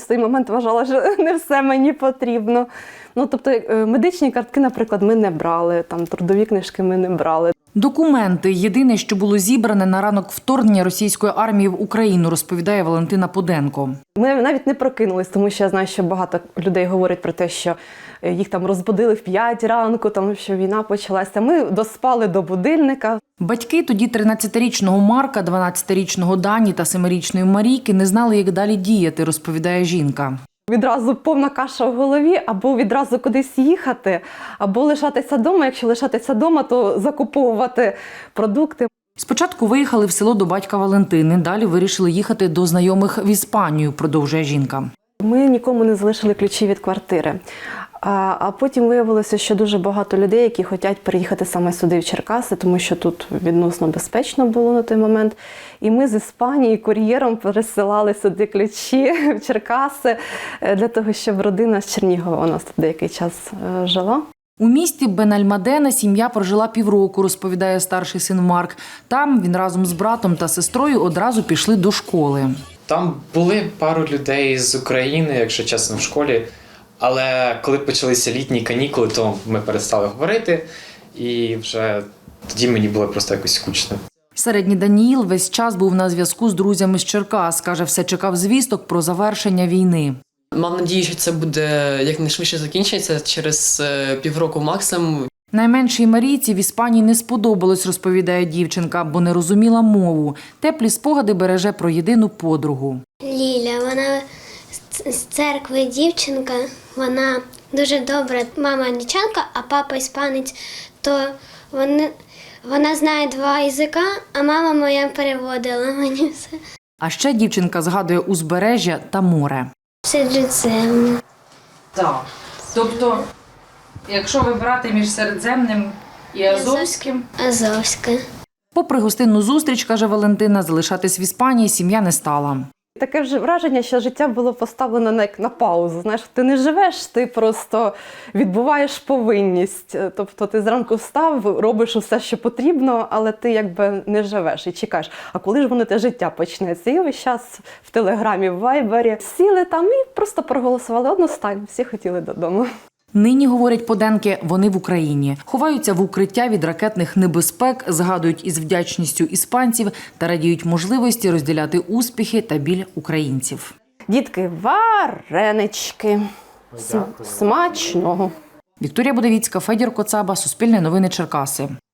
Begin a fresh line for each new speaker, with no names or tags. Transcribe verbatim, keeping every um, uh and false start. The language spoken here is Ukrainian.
в той момент вважала, що не все мені потрібно. Ну, тобто медичні картки, наприклад, ми не брали, там трудові книжки ми не брали.
Документи – єдине, що було зібране на ранок вторгнення російської армії в Україну, розповідає Валентина Поденко.
Ми навіть не прокинулись, тому що я знаю, що багато людей говорять про те, що їх там розбудили в п'ять ранку, тому що війна почалася. Ми доспали до будильника.
Батьки тоді тринадцятирічного Марка, дванадцятирічного Дані та семирічної Марійки не знали, як далі діяти, розповідає жінка.
Відразу повна каша в голові, або відразу кудись їхати, або лишатися вдома. Якщо лишатися вдома, то закуповувати продукти.
Спочатку виїхали в село до батька Валентини, далі вирішили їхати до знайомих в Іспанію, продовжує жінка.
Ми нікому не залишили ключі від квартири. А, а потім виявилося, що дуже багато людей, які хочуть переїхати саме сюди, в Черкаси, тому що тут відносно безпечно було на той момент. І ми з Іспанії кур'єром пересилали сюди ключі в Черкаси для того, щоб родина з Чернігова у нас тут деякий час жила.
У місті Бенальмадена сім'я прожила півроку, розповідає старший син Марк. Там він разом з братом та сестрою одразу пішли до школи.
Там були пару людей з України, якщо чесно, в школі. Але коли почалися літні канікули, то ми перестали говорити. І вже тоді мені було просто якось скучно.
Середній Даніїл весь час був на зв'язку з друзями з Черкас. Каже, все чекав звісток про завершення війни.
Мав надію, що це буде якнайшвидше закінчиться, через півроку максимум.
Найменшій Марійці в Іспанії не сподобалось, розповідає дівчинка, бо не розуміла мову. Теплі спогади береже про єдину подругу.
Ліля, вона з церкви дівчинка, вона дуже добра. Мама англічанка, а папа іспанець, то вони, вона знає два язика, а мама моя переводила мені все.
А ще дівчинка згадує узбережжя та море.
Середземне.
Так. Тобто, якщо вибирати між Середземним і Азовським?
Азовське.
Попри гостинну зустріч, каже Валентина, залишатись в Іспанії сім'я не стала.
Таке вже враження, що життя було поставлено на, на паузу. Знаєш, ти не живеш, ти просто відбуваєш повинність. Тобто ти зранку встав, робиш усе, що потрібно, але ти якби не живеш і чекаєш. А коли ж воно те життя почнеться? І весь час в Телеграмі, в Вайбері сіли там і просто проголосували одностайно. Всі хотіли додому.
Нині, говорять Поденки, вони в Україні. Ховаються в укриття від ракетних небезпек, згадують із вдячністю іспанців та радіють можливості розділяти успіхи та біль українців.
Дітки, варенички. Смачного.
Вікторія Будовіцька, Федір Коцаба, Суспільне новини Черкаси.